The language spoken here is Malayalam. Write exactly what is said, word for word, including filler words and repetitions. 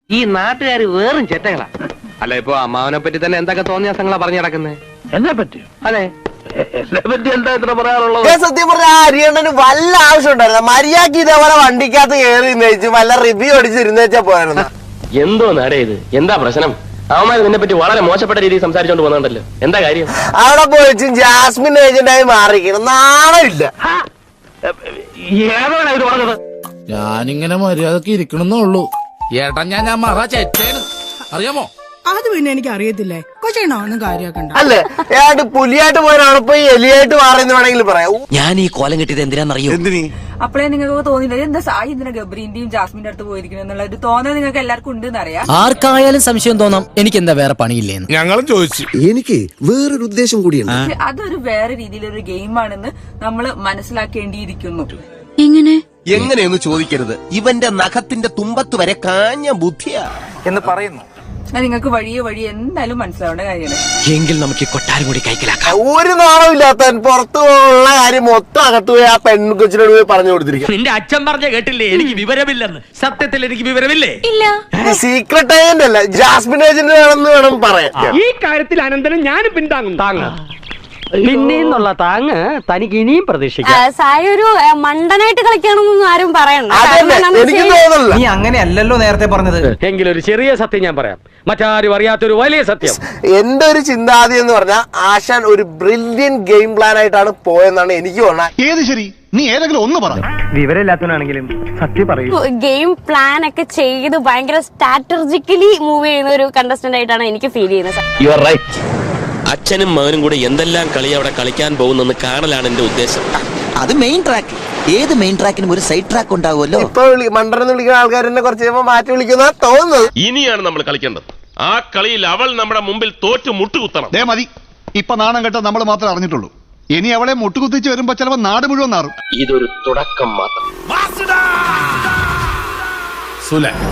ഈ നാട്ടുകാർ വേറും ചെറ്റകളാ. അല്ല, ഇപ്പൊ അമ്മാവനെ പറ്റി തന്നെ എന്തൊക്കെ തോന്നിയ സംഘങ്ങളാ പറഞ്ഞു നടക്കുന്നത്? എന്നെ പറ്റി? അതെ, എന്നെ പറ്റി എന്താ ഇത്ര പറയാനുള്ളത്? സത്യം പറഞ്ഞ ഹരിയണ്ണന് വല്ല ആവശ്യം ഉണ്ടായിരുന്നു? മര്യാദക്ക് ഇതേപോലെ വണ്ടിക്കകത്ത് കയറി ഇരുന്നേച്ചു വല്ല റിവ്യൂ അടിച്ചിരുന്നേച്ചാ പോയിരുന്നു. എന്തോ നാടേ ഇത്? എന്താ പ്രശ്നം? അവന്മാർ നിന്നെ പറ്റി വളരെ മോശപ്പെട്ട രീതിയിൽ സംസാരിച്ചോണ്ട് പോകുന്നുണ്ടല്ലോ. എന്താ കാര്യം? അവിടെ പോയിച്ചും ജാസ്മിൻ ഏജന്റായി മാറിക്കണം. നാണമില്ല. ഏതാണ് ഇത് പറഞ്ഞത്? ഞാനിങ്ങനെ മര്യാദക്ക് ഇരിക്കണമെന്നേ ഉള്ളൂ. ഏട്ടാ ഞാൻ ഞാൻ മറ ചേച്ചേന് അറിയാമോ? അത് പിന്നെ എനിക്ക് അറിയത്തില്ലേ. കൊച്ചേണോ ഒന്നും കാര്യാക്കണ്ട. അല്ലേ, ഏട്ട് പുലിയായിട്ട് പോയവരാണ് ഇപ്പൊ എലിയായിട്ട് മാറിയെന്ന് വേണമെങ്കിൽ പറയാം. ഞാൻ ഈ കോലം കിട്ടിയത് എന്തിനാന്നറിയോ? അപ്പഴേ നിങ്ങൾക്ക് തോന്നില്ല എന്താ സായി എന്തിനാ ഗബ്രീന്റെയും ജാസ്മിന്റെ അടുത്ത് പോയിരിക്കണം എന്നുള്ള ഒരു തോന്നൽ നിങ്ങൾക്ക് എല്ലാവർക്കും ഉണ്ടെന്ന് അറിയാം. ആർക്കായാലും സംശയം തോന്നാം എനിക്ക് എന്താ വേറെ പണിയില്ലേന്ന്. ഞങ്ങളും ചോദിച്ചു. എനിക്ക് വേറൊരു ഉദ്ദേശം കൂടിയുണ്ട്. അതൊരു വേറെ രീതിയിലൊരു ഗെയിമാണെന്ന് നമ്മൾ മനസ്സിലാക്കേണ്ടിയിരിക്കുന്നു. എങ്ങനെ എങ്ങനെയെന്ന് ചോദിക്കരുത്. ഇവന്റെ നഖത്തിന്റെ തുമ്പത്ത് വരെ കാഞ്ഞ ബുദ്ധിയാ എന്ന് പറയുന്നു. അത് നിങ്ങൾക്ക് വഴിയെ വഴി എന്തായാലും മനസ്സിലാവേണ്ട കാര്യമാണ്. എങ്കിൽ നമുക്ക് ഈ കൊട്ടാരം കൂടി കൈക്കലാക്കാം. ഒരു നാണമില്ലാത്തവൻ പുറത്തു പോകുന്ന കാര്യം മൊത്തം അകത്ത് പോയി ആ പെൺകൊച്ചിനോട് പോയി പറഞ്ഞു കൊടുത്തിരിക്കും. നിന്റെ അച്ഛൻ പറഞ്ഞ കേട്ടില്ലേ എനിക്ക് വിവരമില്ലെന്ന്? സത്യത്തിൽ എനിക്ക് വിവരമില്ലേ? ഇല്ല. സീക്രട്ട് ഏജന്റ് അല്ല, ജാസ്മിൻ ഏജന്റ് വേണമെന്ന് വേണം പറയാൻ. ഈ കാര്യത്തിൽ അനന്തരം ഞാനും പിന്താങ്ങും. താങ്ങ പിന്നെന്നുള്ള താങ്ങ് തനിക്ക് ഇനിയും പ്രതീക്ഷിക്കാം. സായി ഒരു മണ്ടനായിട്ട് കളിക്കണമെന്നൊന്നും ആരും പറയണ്ട. എനിക്ക് തോന്നുന്നില്ല. നീ അങ്ങനെയല്ലല്ലോ നേരത്തെ പറഞ്ഞത്. എങ്കിലൊരു ചെറിയ സത്യം ഞാൻ പറയാം, മറ്റാരും അറിയാത്തൊരു വലിയ സത്യം. എന്റെ ഒരു ചിന്താഗതി എന്ന് പറഞ്ഞാൽ ആശാൻ ഒരു ബ്രില്യൻ ഗെയിം പ്ലാൻ ആയിട്ടാണ് പോയെന്നാണ് എനിക്ക് തോന്നുന്നത്. ഏത് ശരി? നീ ഏതെങ്കിലും ഒന്ന് പറ. വിവരമില്ലാത്തവനാണെങ്കിലും സത്യം പറയൂ. ഗെയിം പ്ലാൻ ഒക്കെ ചെയ്ത് ഭയങ്കര സ്ട്രാറ്റജിക്കലി മൂവ് ചെയ്യുന്ന ഒരു കണ്ടസ്റ്റന്റ് ആയിട്ടാണ് എനിക്ക് ഫീൽ ചെയ്യുന്നത്. You are right. അച്ഛനും മകനും കൂടെ എന്തെല്ലാം കളി അവിടെ കളിക്കാൻ പോകുന്നെന്ന് കാണലാണ് എന്റെ ഉദ്ദേശം. അത് മെയിൻ ട്രാക്ക്. ഏത് മെയിൻ ട്രാക്കിനും ഒരു സൈഡ് ട്രാക്ക് ഉണ്ടാവുമല്ലോ. ഇപ്പൊ മണ്ടനെന്ന് വിളിക്കുന്ന ആൾക്കാർ എന്നെ കുറച്ച് കഴിയുമ്പോൾ മാറ്റി വിളിക്കുന്ന തോന്നുന്നത്. ഇനിയാണ് നമ്മൾ കളിക്കേണ്ടത്. ആ കളിയിൽ അവൾ നമ്മുടെ മുമ്പിൽ തോറ്റു മുട്ടുകുത്തണം. ദേ മതി. ഇപ്പൊ നാണം കെട്ട നമ്മൾ മാത്രമേ അറിഞ്ഞിട്ടുള്ളൂ. ഇനി അവളെ മുട്ടുകുത്തിച്ച് വരുമ്പോ ചിലപ്പോ നാട് മുഴുവൻ നാറും. ഇതൊരു തുടക്കം മാത്രം.